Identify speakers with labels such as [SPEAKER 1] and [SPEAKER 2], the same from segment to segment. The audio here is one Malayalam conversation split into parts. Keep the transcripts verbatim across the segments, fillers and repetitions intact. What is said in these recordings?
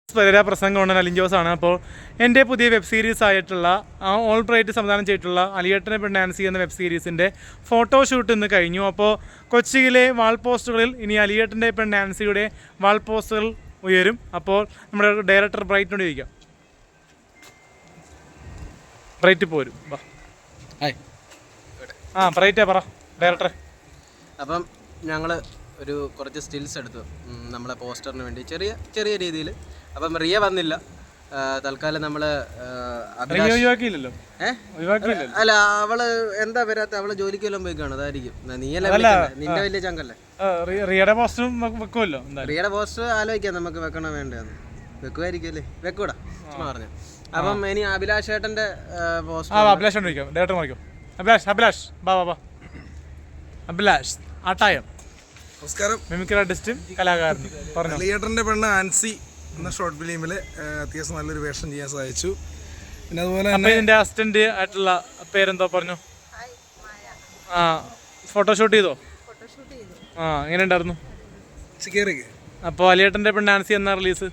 [SPEAKER 1] പെരേര പ്രസംഗമാണ് അലിൻ ജോസാണ്. അപ്പോൾ എൻ്റെ പുതിയ വെബ് സീരീസ് ആയിട്ടുള്ള ഓൾ ബ്രൈറ്റ് സംവിധാനം ചെയ്തിട്ടുള്ള അലിയേട്ടനെ പെണ്ണ് നാൻസി എന്ന വെബ് സീരീസിൻ്റെ ഫോട്ടോഷൂട്ട് ഇന്ന് കഴിഞ്ഞു. അപ്പോൾ കൊച്ചിയിലെ വാൾ പോസ്റ്ററുകളിൽ ഇനി അലിയേട്ടൻ്റെ പെണ്ണ് നാൻസിയുടെ വാൾ പോസ്റ്ററുകൾ ഉയരും. അപ്പോൾ നമ്മുടെ ഡയറക്ടർ ബ്രൈറ്റിനോട് ചോദിക്കാം. ബ്രൈറ്റ് പോരും. ആ ബ്രൈറ്റേ പറ ഡയറക്ടറെ.
[SPEAKER 2] അപ്പം ഞങ്ങൾ ഒരു കുറച്ച് സ്റ്റിൽസ് എടുത്തു നമ്മളെ പോസ്റ്ററിന് വേണ്ടി ചെറിയ ചെറിയ രീതിയിൽ. അപ്പം റിയ വന്നില്ല, തൽക്കാലം നമ്മൾ അല്ല അവള് എന്താ വരാത്ത, അവള് ജോലിക്ക് വല്ലതും പോയി കാണും, അതായിരിക്കും. നീയല്ലേ നിന്റെ വലിയ ചങ്കല്ലേ.
[SPEAKER 1] റിയയുടെ പോസ്റ്ററും വെക്കുമല്ലോ.
[SPEAKER 2] റിയയുടെ പോസ്റ്റർ ആലോചിക്കാം നമുക്ക് വെക്കണോ വേണ്ടതെന്ന്. വെക്കുമായിരിക്കും അല്ലേ, വെക്കൂടാ ചുമ്മാ പറഞ്ഞു. അപ്പം ഇനി അഭിലാഷ് ഏട്ടന്റെ പോസ്റ്റർ
[SPEAKER 1] അഭിലാഷ് അഭിലാഷ് അഭിലാഷ് ബാ ബാ അഭിലാഷ് ആട്ടായം.
[SPEAKER 3] നമസ്കാരം.
[SPEAKER 1] മിമിക്രി ആർട്ടിസ്റ്റും കലാകാരനും. പറഞ്ഞു.
[SPEAKER 3] അലിയേട്ടൻ്റെ പെണ്ണ് ആൻസി എന്ന ഷോർട്ട് ഫിലിമിൽ അത്യാവശ്യം നല്ലൊരു വേഷം ചെയ്യാൻ സാധിച്ചു. പിന്നെ അതുപോലെ
[SPEAKER 1] തന്നെ ഇതിൻ്റെ അസിസ്റ്റന്റ് ആയിട്ടുള്ള പേരെന്തോ പറഞ്ഞു. ആ ഫോട്ടോഷൂട്ട് ചെയ്തോ? ആ എങ്ങനെ ഉണ്ടായിരുന്നു? അപ്പോൾ അലിയേട്ടൻ്റെ പെണ്ണ് ആൻസി എന്ന റിലീസ്?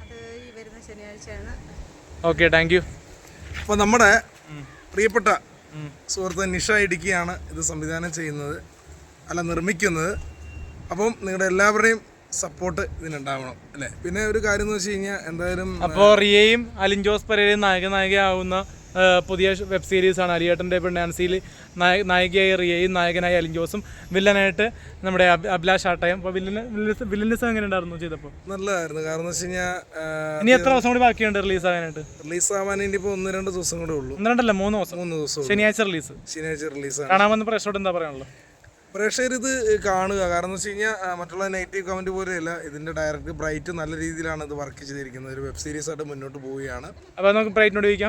[SPEAKER 1] Okay, thank U.
[SPEAKER 3] അപ്പോൾ നമ്മുടെ പ്രിയപ്പെട്ട സുഹൃത്ത് നിഷ ഇടുക്കിയാണ് ഇത് സംവിധാനം ചെയ്യുന്നത്, അല്ല നിർമ്മിക്കുന്നത്. അപ്പം നിങ്ങളുടെ എല്ലാവരുടെയും സപ്പോർട്ട് ഇതിനുണ്ടാവണം അല്ലേ. പിന്നെ ഒരു കാര്യം എന്ന് വെച്ച് കഴിഞ്ഞാൽ എന്തായാലും
[SPEAKER 1] അപ്പോൾ റിയയും അലിൻ ജോസ് പെരേരയും നായക നായികയാവുന്ന പുതിയ വെബ് സീരീസാണ് അലിയേട്ടൻ്റെ പെണ്ണ് നാൻസിയിൽ. നായ നായികയായി റിയയും നായകനായി അലിൻ ജോസും, വില്ലനായിട്ട് നമ്മുടെ അഭിലാഷ് ആട്ടയം. അപ്പോൾ വില്ലന് വില്ലനിസം എങ്ങനെ ഉണ്ടായിരുന്നു ചെയ്തപ്പോൾ?
[SPEAKER 3] നല്ലതായിരുന്നു. കാരണം എന്ന് വെച്ച് കഴിഞ്ഞാൽ
[SPEAKER 1] ഇനി എത്ര ദിവസം കൂടി ബാക്കിയുണ്ട് റിലീസ് ആകാനായിട്ട്?
[SPEAKER 3] റിലീസ് ആവാൻ ഇനി ഇപ്പോൾ ഒന്ന് രണ്ട് ദിവസം കൂടെ ഉള്ളൂ.
[SPEAKER 1] ഒന്ന് രണ്ടല്ല മൂന്ന് ദിവസം.
[SPEAKER 3] മൂന്ന് ദിവസം
[SPEAKER 1] ശനിയാഴ്ച റിലീസ്.
[SPEAKER 3] ശനിയാഴ്ച റിലീസ്
[SPEAKER 1] കാണാമെന്ന് പ്രേക്ഷകരോട് എന്താ പറയാനുള്ളത്?
[SPEAKER 3] പ്രേക്ഷകർ ഇത് കാണുക. കാരണം എന്ന് വെച്ച് കഴിഞ്ഞാൽ മറ്റുള്ള നെഗറ്റീവ് കമൻറ്റ് പോലെയല്ല, ഇതിൻ്റെ ഡയറക്ടർ ബ്രൈറ്റ് നല്ല രീതിയിലാണ് ഇത് വർക്ക് ചെയ്തിരിക്കുന്നത്. ഒരു വെബ് സീരീസ് ആയിട്ട് മുന്നോട്ട് പോവുകയാണ്.
[SPEAKER 1] അപ്പോൾ നമുക്ക് ബ്രൈറ്റിനോട് ചോദിക്കാം.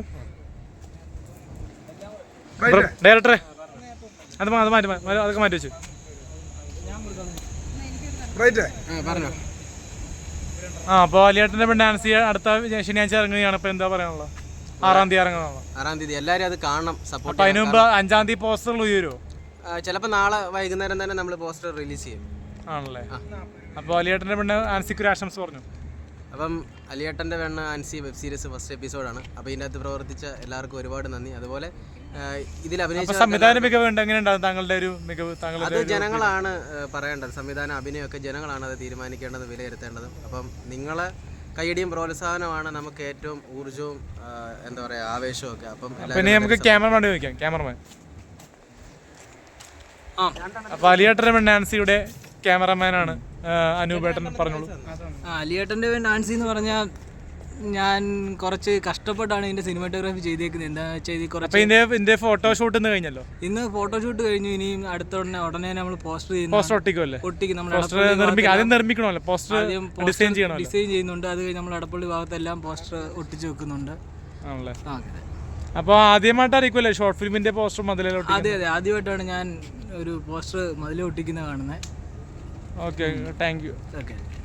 [SPEAKER 1] ഡയറക്ടറെ അത് അത് മാറ്റി അതൊക്കെ മാറ്റി വെച്ചു.
[SPEAKER 3] ബ്രൈറ്റേ
[SPEAKER 2] പറഞ്ഞോ.
[SPEAKER 1] ആ അപ്പോൾ അലിയേട്ടൻ്റെ പെണ്ണ് നാൻസി അടുത്ത ശനിയാഴ്ച ഇറങ്ങുകയാണ്. ഇപ്പോൾ എന്താ പറയാനുള്ളത്? ആറാം തീയതി ഇറങ്ങുന്നതാണോ?
[SPEAKER 2] ആറാം തീയതി എല്ലാവരും അത് കാണണം, സപ്പോർട്ട്.
[SPEAKER 1] അപ്പോൾ അതിന് മുമ്പ് അഞ്ചാം തീയതി പോസ്റ്ററുകൾ ഉയരുമോ?
[SPEAKER 2] ചിലപ്പോൾ നാളെ വൈകുന്നേരം തന്നെ നമ്മൾ പോസ്റ്റർ റിലീസ് ചെയ്യും.
[SPEAKER 1] ആണല്ലേ. അപ്പോൾ അലിയേട്ടൻ്റെ പെണ്ണ് ആൻസിക്ക് ഒരു ആശംസ പറഞ്ഞു.
[SPEAKER 2] അപ്പം അലിയേട്ടൻ്റെ പെണ്ണ് ആൻസി വെബ് സീരീസ് ഫസ്റ്റ് എപ്പിസോഡാണ്. അപ്പോൾ ഇതിൻ്റെ അകത്ത് പ്രവർത്തിച്ച എല്ലാവർക്കും ഒരുപാട് നന്ദി. അതുപോലെ ഇതിൽ അഭിനയിച്ച
[SPEAKER 1] സംവിധാന മികവ് ഉണ്ട്. എങ്ങനെയുണ്ടാകും താങ്കളുടെ ഒരു മികവ്?
[SPEAKER 2] അത് ജനങ്ങളാണ് പറയേണ്ടത്. സംവിധാനം അഭിനയമൊക്കെ ജനങ്ങളാണ് അത് തീരുമാനിക്കേണ്ടത്, വിലയിരുത്തേണ്ടത്. അപ്പം നിങ്ങളെ കൈയടിയും പ്രോത്സാഹനമാണ് നമുക്ക് ഏറ്റവും ഊർജ്ജവും എന്താ പറയുക ആവേശവും ഒക്കെ. അപ്പം
[SPEAKER 1] പിന്നെ നമുക്ക് ക്യാമറമാൻ ചോദിക്കാം. ക്യാമറമാൻ അപ്പോൾ അലിയേട്ടൻ്റെ പെണ്ണ് നാൻസിയുടെ ക്യാമറമാനാണ് അനൂപേട്ടൻ. പറഞ്ഞോളൂ.
[SPEAKER 4] അലിയേട്ടൻ്റെ പെണ്ണ് നാൻസി എന്ന് പറഞ്ഞാൽ ഞാൻ കുറച്ച് കഷ്ടപ്പെട്ടാണ് ഇതിൻ്റെ സിനിമാറ്റോഗ്രാഫി ചെയ്തേക്കുന്നത്. എന്താണെന്ന് വെച്ചാൽ ഇത് കുറച്ച്
[SPEAKER 1] ഇതിൻ്റെ ഇതിൻ്റെ ഫോട്ടോഷൂട്ട് ഇന്ന് കഴിഞ്ഞല്ലോ.
[SPEAKER 4] ഇന്ന് ഫോട്ടോഷൂട്ട് കഴിഞ്ഞു. ഇനിയും അടുത്ത ഉടനെ ഉടനെ നമ്മൾ പോസ്റ്റർ ചെയ്യുന്നു.
[SPEAKER 1] പോസ്റ്റർ ഒട്ടിക്കുമല്ലേ?
[SPEAKER 4] ഒട്ടിക്കും. നമ്മൾ
[SPEAKER 1] ആദ്യം നിർമ്മിക്കണമല്ലോ, പോസ്റ്റർ ഡിസൈൻ ചെയ്യണം.
[SPEAKER 4] ഡിസൈൻ ചെയ്യുന്നുണ്ട്. അത് കഴിഞ്ഞ് നമ്മൾ എടപ്പള്ളി ഭാഗത്തെല്ലാം പോസ്റ്റർ ഒട്ടിച്ച് വെക്കുന്നുണ്ട്.
[SPEAKER 1] ആണല്ലേ. അപ്പോൾ ആദ്യമായിട്ടായിരിക്കുമല്ലേ ഷോർട്ട് ഫിലിമിൻ്റെ പോസ്റ്റർ മതിലോട്ട്?
[SPEAKER 4] അതെ അതെ, ആദ്യമായിട്ടാണ് ഞാൻ ഒരു പോസ്റ്റർ മതിൽ ഒട്ടിക്കുന്നത് കാണുന്നത്.
[SPEAKER 1] Okay, thank you.
[SPEAKER 4] ഓക്കെ.